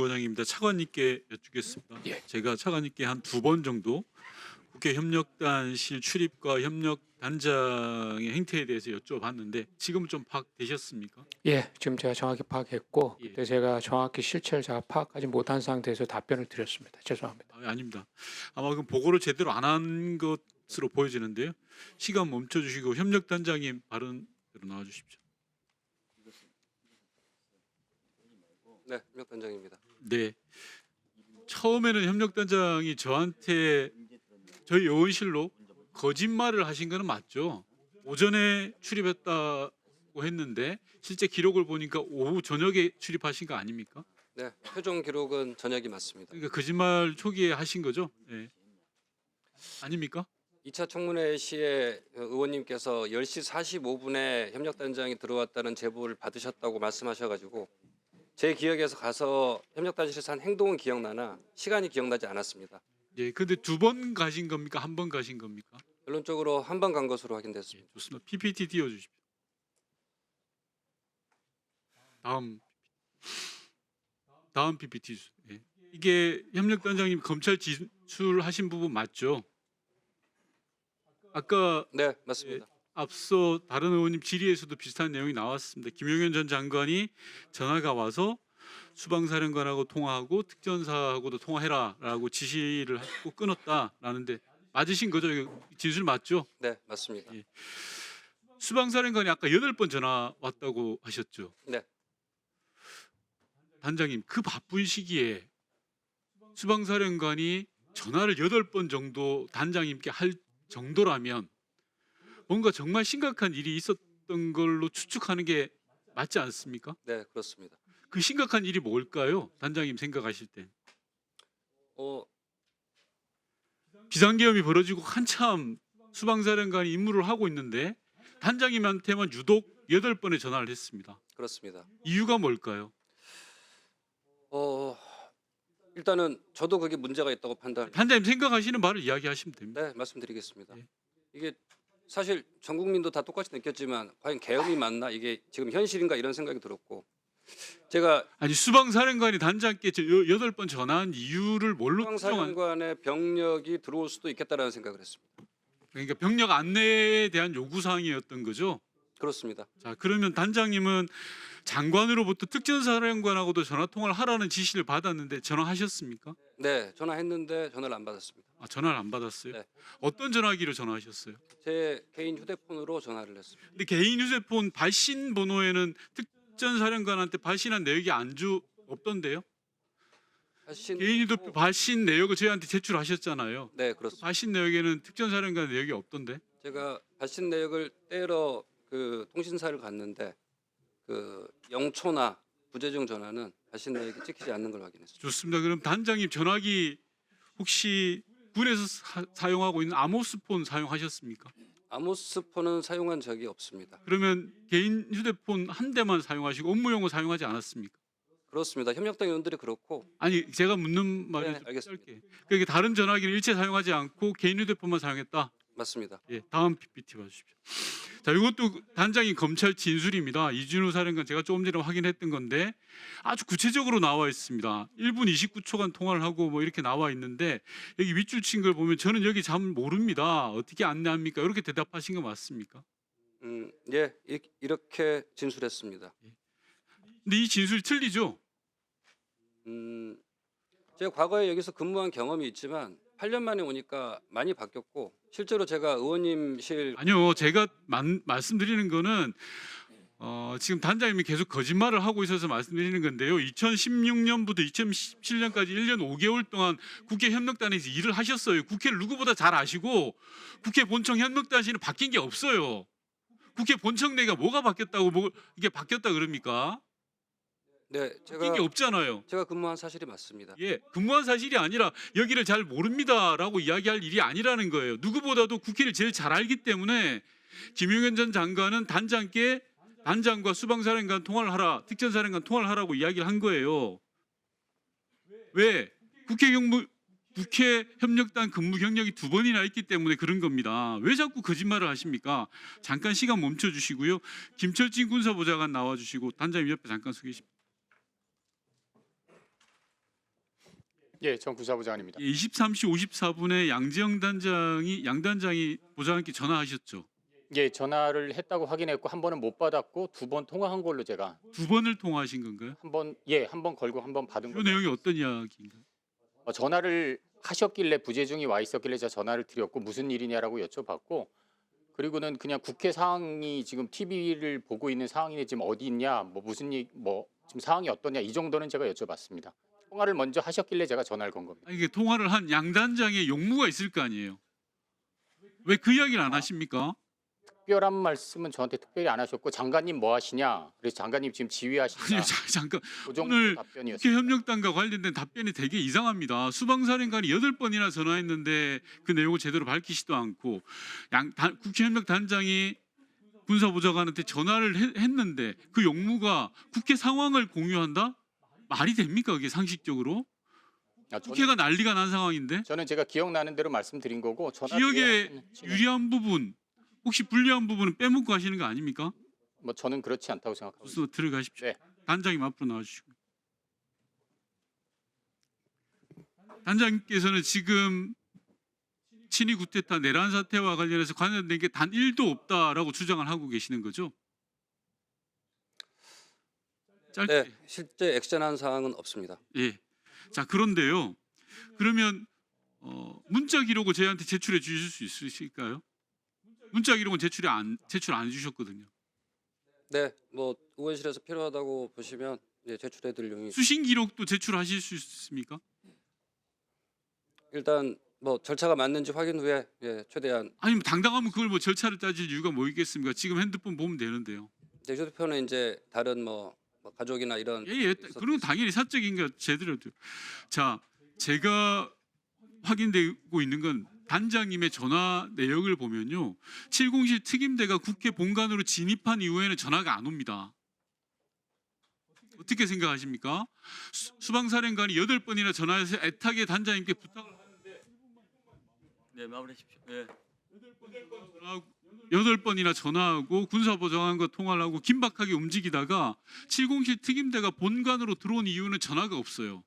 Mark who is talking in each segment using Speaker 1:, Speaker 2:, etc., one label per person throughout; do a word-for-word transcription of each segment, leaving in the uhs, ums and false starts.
Speaker 1: 부원장입니다. 차관님께 여쭙겠습니다.
Speaker 2: 예.
Speaker 1: 제가 차관님께 한 두 번 정도 국회 협력단실 출입과 협력단장의 행태에 대해서 여쭤봤는데 지금은 좀 파악되셨습니까?
Speaker 2: 예, 지금 제가 정확히 파악했고
Speaker 1: 예.
Speaker 2: 그때 제가 정확히 실체를 제가 파악하지 못한 상태에서 답변을 드렸습니다. 죄송합니다.
Speaker 1: 아, 아닙니다. 아마 그 보고를 제대로 안 한 것으로 보여지는데요. 시간 멈춰주시고 협력단장님 발언으로 나와주십시오.
Speaker 3: 네, 협력단장입니다.
Speaker 1: 네. 처음에는 협력단장이 저한테 저희 의원실로 거짓말을 하신 거는 맞죠? 오전에 출입했다고 했는데 실제 기록을 보니까 오후 저녁에 출입하신 거 아닙니까?
Speaker 3: 네, 최종 기록은 저녁이 맞습니다.
Speaker 1: 그러니까 거짓말 초기에 하신 거죠? 네. 아닙니까?
Speaker 3: 이 차 청문회 시에 의원님께서 열 시 사십오 분에 협력단장이 들어왔다는 제보를 받으셨다고 말씀하셔가지고 제 기억에서 가서 협력단실에서 한 행동은 기억나나 시간이 기억나지 않았습니다.
Speaker 1: 예. 근데 두 번 가신 겁니까? 한 번 가신 겁니까?
Speaker 3: 결론적으로 한 번 간 것으로
Speaker 1: 예,
Speaker 3: 확인됐습니다.
Speaker 1: 좋습니다. 피피티 띄워 주십시오. 다음 다음 피피티 주. 예. 이게 협력단장님 검찰 진술하신 부분 맞죠? 아까
Speaker 3: 네, 맞습니다.
Speaker 1: 앞서 다른 의원님 질의에서도 비슷한 내용이 나왔습니다. 김용현 전 장관이 전화가 와서 수방사령관하고 통화하고 특전사하고도 통화해라라고 지시를 하고 끊었다라는데 맞으신 거죠? 이거 진술 맞죠?
Speaker 3: 네, 맞습니다.
Speaker 1: 예. 수방사령관이 아까 여덟 번 전화 왔다고 하셨죠?
Speaker 3: 네.
Speaker 1: 단장님 그 바쁜 시기에 수방사령관이 전화를 여덟 번 정도 단장님께 할 정도라면 뭔가 정말 심각한 일이 있었던 걸로 추측하는 게 맞지 않습니까?
Speaker 3: 네, 그렇습니다.
Speaker 1: 그 심각한 일이 뭘까요? 단장님 생각하실 때.
Speaker 3: 어,
Speaker 1: 비상계엄이 벌어지고 한참 수방사령관이 임무를 하고 있는데 단장님한테만 유독 여덟 번의 전화를 했습니다.
Speaker 3: 그렇습니다.
Speaker 1: 이유가 뭘까요?
Speaker 3: 어, 일단은 저도 그게 문제가 있다고 판단.
Speaker 1: 단장님 생각하시는 말을 이야기하시면 됩니다.
Speaker 3: 네, 말씀드리겠습니다.
Speaker 1: 예.
Speaker 3: 이게 사실 전 국민도 다 똑같이 느꼈지만 과연 계엄이 맞나 이게 지금 현실인가 이런 생각이 들었고 제가
Speaker 1: 아니 수방사령관이 단장께 저 여- 여덟 번 전화한 이유를 뭘로 추정한?
Speaker 3: 수방사령관의 병력이 들어올 수도 있겠다라는 생각을 했습니다.
Speaker 1: 그러니까 병력 안내에 대한 요구 사항이었던 거죠.
Speaker 3: 그렇습니다.
Speaker 1: 자 그러면 단장님은 장관으로부터 특전사령관하고도 전화 통화를 하라는 지시를 받았는데 전화하셨습니까?
Speaker 3: 네, 전화했는데 전화를 안 받았습니다.
Speaker 1: 아, 전화를 안 받았어요.
Speaker 3: 네.
Speaker 1: 어떤 전화기로 전화하셨어요?
Speaker 3: 제 개인 휴대폰으로 전화를 했습니다.
Speaker 1: 근데 개인 휴대폰 발신 번호에는 특전사령관한테 발신한 내역이 안주 없던데요?
Speaker 3: 발신
Speaker 1: 개인 휴대폰 발신 내역을 저희한테 제출하셨잖아요.
Speaker 3: 네, 그렇습니다.
Speaker 1: 발신 내역에는 특전사령관 내역이 없던데?
Speaker 3: 제가 발신 내역을 떼러 그 통신사를 갔는데 그 영초나 부재중 전화는 발신 내역이 찍히지 않는 걸 확인했습니다.
Speaker 1: 좋습니다. 그럼 단장님 전화기 혹시 군에서 사, 용하고 있는 아모스폰 사용하셨습니까?
Speaker 3: 아모스폰은 사용한 적이 없습니다.
Speaker 1: 그러면 개인 휴대폰 한 대만 사용하시고 업무용으로 사용하지 않았습니까?
Speaker 3: 그렇습니다. 협력당 의원들이 그렇고
Speaker 1: 아니 제가 묻는 말이
Speaker 3: 네,
Speaker 1: 좀
Speaker 3: 알겠습니다.
Speaker 1: 짧게. 그러니까 다른 전화기를 일체 사용하지 않고 개인 휴대폰만 사용했다.
Speaker 3: 맞습니다.
Speaker 1: 예, 다음 피피티 봐주십시오. 자, 이것도 단장이 검찰 진술입니다. 이준우 사령관 제가 조금 전에 확인했던 건데 아주 구체적으로 나와 있습니다. 일 분 이십구 초간 통화를 하고 뭐 이렇게 나와 있는데 여기 윗줄 친 걸 보면 저는 여기 잘 모릅니다. 어떻게 안내합니까? 이렇게 대답하신 거 맞습니까?
Speaker 3: 음, 예, 이, 이렇게 진술했습니다.
Speaker 1: 근데 이 진술이 틀리죠?
Speaker 3: 음, 제가 과거에 여기서 근무한 경험이 있지만 팔 년 만에 오니까 많이 바뀌었고 실제로 제가 의원님실
Speaker 1: 아니요, 제가 만, 말씀드리는 거는 어, 지금 단장님이 계속 거짓말을 하고 있어서 말씀드리는 건데요. 이천십육 년부터 이천십칠 년까지 일 년 오 개월 동안 국회 협력단에서 일을 하셨어요. 국회를 누구보다 잘 아시고 국회 본청 협력단실은 바뀐 게 없어요. 국회 본청 내가 뭐가 바뀌었다고 뭐 이게 바뀌었다 그럽니까?
Speaker 3: 네,
Speaker 1: 바뀐
Speaker 3: 제가
Speaker 1: 게 없잖아요.
Speaker 3: 제가 근무한 사실이 맞습니다.
Speaker 1: 예, 근무한 사실이 아니라 여기를 잘 모릅니다라고 이야기할 일이 아니라는 거예요. 누구보다도 국회를 제일 잘 알기 때문에 김용현 전 장관은 단장께 단장과 수방사령관 통화를 하라, 특전사령관 통화를 하라고 이야기를 한 거예요. 왜? 국회 경무 국회 협력단 근무 경력이 두 번이나 있기 때문에 그런 겁니다. 왜 자꾸 거짓말을 하십니까? 잠깐 시간 멈춰 주시고요. 김철진 군사보좌관 나와 주시고 단장님 옆에 잠깐 서 계십니다.
Speaker 4: 예, 전 군사부장관입니다.
Speaker 1: 이십삼 시 오십사 분에 양지영 단장이 양 단장이 보좌관께 전화하셨죠.
Speaker 4: 예, 전화를 했다고 확인했고 한 번은 못 받았고 두 번 통화한 걸로 제가
Speaker 1: 두 번을 통화하신 건가요?
Speaker 4: 한 번 예, 한 번 걸고 한 번 받은
Speaker 1: 그
Speaker 4: 거죠.
Speaker 1: 내용이 어떤 이야기인가요?
Speaker 4: 어, 전화를 하셨길래 부재중이 와 있었길래 제가 전화를 드렸고 무슨 일이냐라고 여쭤봤고 그리고는 그냥 국회 상황이 지금 티비를 보고 있는 상황인데 지금 어디 있냐 뭐 무슨 일, 뭐 지금 상황이 어떠냐 이 정도는 제가 여쭤봤습니다. 통화를 먼저 하셨길래 제가 전화를 건 겁니다.
Speaker 1: 아니, 이게 통화를 한 양 단장의 용무가 있을 거 아니에요. 왜 그 이야기를 안 하십니까?
Speaker 4: 특별한 말씀은 저한테 특별히 안 하셨고 장관님 뭐 하시냐 그래서 장관님 지금 지휘하시냐
Speaker 1: 아니, 자, 잠깐
Speaker 4: 그 정도
Speaker 1: 오늘
Speaker 4: 답변이었습니다.
Speaker 1: 국회 협력단과 관련된 답변이 되게 이상합니다. 수방사령관이 여덟 번이나 전화했는데 그 내용을 제대로 밝히지도 않고 양 단- 국회 협력단장이 군사보좌관한테 전화를 해- 했는데 그 용무가 국회 상황을 공유한다? 말이 됩니까? 그게 상식적으로?
Speaker 4: 아, 저는,
Speaker 1: 국회가 난리가 난 상황인데
Speaker 4: 저는 제가 기억나는 대로 말씀드린 거고 전화
Speaker 1: 기억에 유리한 부분 혹시 불리한 부분은 빼먹고 하시는 거 아닙니까?
Speaker 4: 뭐 저는 그렇지 않다고 생각하고 있습니다.
Speaker 1: 그래서 들어가십시오.
Speaker 4: 네.
Speaker 1: 단장님 앞으로 나와주시고. 단장님께서는 지금 친위 구테타 내란 사태와 관련해서 관련된 게 단 일도 없다라고 주장을 하고 계시는 거죠? 짧게.
Speaker 3: 네, 실제 액션한 사항은 없습니다.
Speaker 1: 예. 자 그런데요. 그러면 어, 문자 기록을 저희한테 제출해 주실 수 있으실까요? 문자 기록은 제출이 안 제출 안 해주셨거든요.
Speaker 3: 네, 뭐 의원실에서 필요하다고 보시면 예, 제출해드릴 용이
Speaker 1: 수신 기록도 제출하실 수 있습니까?
Speaker 3: 일단 뭐 절차가 맞는지 확인 후에 예, 최대한
Speaker 1: 아니 뭐 당당하면 그걸 뭐 절차를 따질 이유가 뭐 있겠습니까? 지금 핸드폰 보면 되는데요.
Speaker 3: 제 휴대폰은 이제 다른 뭐, 뭐 가족이나 이런
Speaker 1: 예예. 그런 건 당연히 사적인 거 제대로 돼요. 자 제가 확인되고 있는 건 단장님의 전화 내역을 보면요. 칠공실 특임대가 국회 본관으로 진입한 이후에는 전화가 안 옵니다. 어떻게 생각하십니까? 수, 수방사령관이 여덟 번이나 전화해서 애타게 단장님께 부탁을 하는데
Speaker 5: 네, 마무리하십시오. 예.
Speaker 1: 전화하고 여덟 번이나 전화하고 군사보좌관과 통화를 하고 긴박하게 움직이다가 칠공실 특임대가 본관으로 들어온 이유는 전화가 없어요.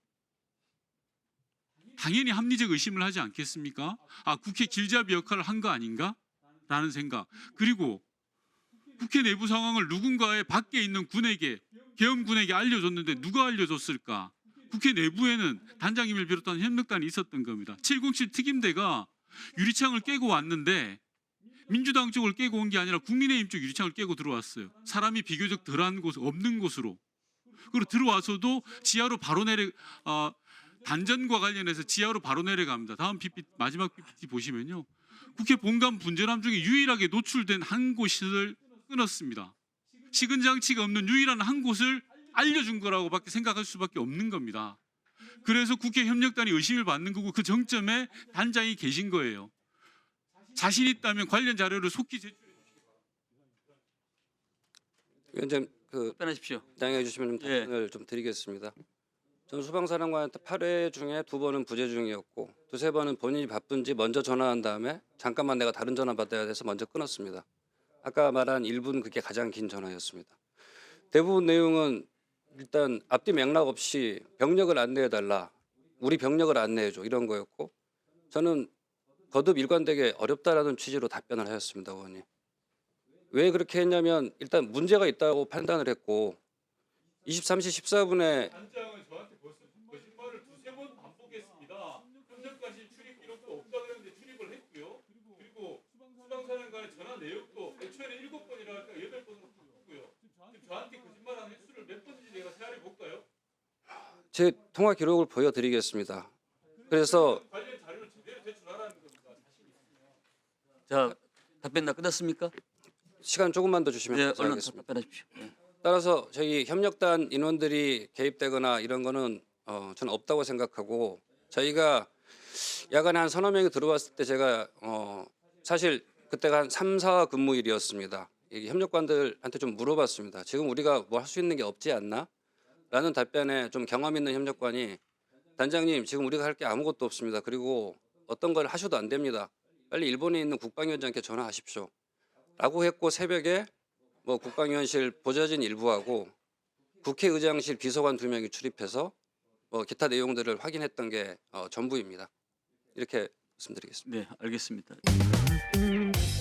Speaker 1: 당연히 합리적 의심을 하지 않겠습니까? 아 국회 길잡이 역할을 한 거 아닌가? 라는 생각. 그리고 국회 내부 상황을 누군가의 밖에 있는 군에게 계엄군에게 알려줬는데 누가 알려줬을까? 국회 내부에는 단장님을 비롯한 협력단이 있었던 겁니다. 칠공칠 특임대가 유리창을 깨고 왔는데 민주당 쪽을 깨고 온 게 아니라 국민의힘 쪽 유리창을 깨고 들어왔어요. 사람이 비교적 덜한 곳, 없는 곳으로. 그리고 들어와서도 지하로 바로 내려 어, 단전과 관련해서 지하로 바로 내려갑니다. 다음 피피티, 마지막 피피티 보시면요. 국회 본관 분전함 중에 유일하게 노출된 한 곳을 끊었습니다. 식은 장치가 없는 유일한 한 곳을 알려준 거라고밖에 생각할 수밖에 없는 겁니다. 그래서 국회 협력단이 의심을 받는 거고 그 정점에 단장이 계신 거예요. 자신 있다면 관련 자료를 속히 제출해 주시기 바랍니다.
Speaker 3: 위원장님 그
Speaker 5: 답변하십시오.
Speaker 3: 양해해 주시면 좀
Speaker 5: 예.
Speaker 3: 답변을 좀 드리겠습니다. 전 수방사령관한테 팔 회 중에 두 번은 부재중이었고 두세 번은 본인이 바쁜지 먼저 전화한 다음에 잠깐만 내가 다른 전화 받아야 돼서 먼저 끊었습니다. 아까 말한 일 분 그게 가장 긴 전화였습니다. 대부분 내용은 일단 앞뒤 맥락 없이 병력을 안내해달라. 우리 병력을 안내해줘 이런 거였고 저는 거듭 일관되게 어렵다라는 취지로 답변을 하였습니다. 의원님. 왜 그렇게 했냐면 일단 문제가 있다고 판단을 했고 이십삼 시 십사 분에
Speaker 1: 단장은 저한테 벌써 거짓말을 두세 번 반복했습니다. 현재까지 출입 기록도 없다 그랬는데 출입을 했고요. 그리고 수방사령관의 전화 내역도 애초에는 일곱 번이라 할까 여덟 번으로 바꿨고요. 지금 저한테 거짓말한 횟수를 몇 번인지 내가 세알해 볼까요?
Speaker 3: 제 통화 기록을 보여드리겠습니다. 그래서
Speaker 1: 관련 자료를 제대로 제출하라는 겁니다.
Speaker 5: 자, 답변 다 끝났습니까?
Speaker 3: 시간 조금만 더 주시면
Speaker 5: 네, 얼른
Speaker 3: 감사하겠습니다.
Speaker 5: 답변하십시오. 예.
Speaker 3: 따라서 저희 협력단 인원들이 개입되거나 이런 거는 어, 저는 없다고 생각하고 저희가 야간에 한 서너 명이 들어왔을 때 제가 어, 사실 그때가 한 삼, 사 근무일이었습니다. 이 협력관들한테 좀 물어봤습니다. 지금 우리가 뭐 할 수 있는 게 없지 않나? 라는 답변에 좀 경험 있는 협력관이 단장님 지금 우리가 할 게 아무것도 없습니다. 그리고 어떤 걸 하셔도 안 됩니다. 빨리 일본에 있는 국방위원장께 전화하십시오. 라고 했고 새벽에 뭐 국방위원실 보좌진 일부하고 국회의장실 비서관 두 명이 출입해서 뭐 기타 내용들을 확인했던 게 어, 전부입니다. 이렇게 말씀드리겠습니다.
Speaker 5: 네, 알겠습니다.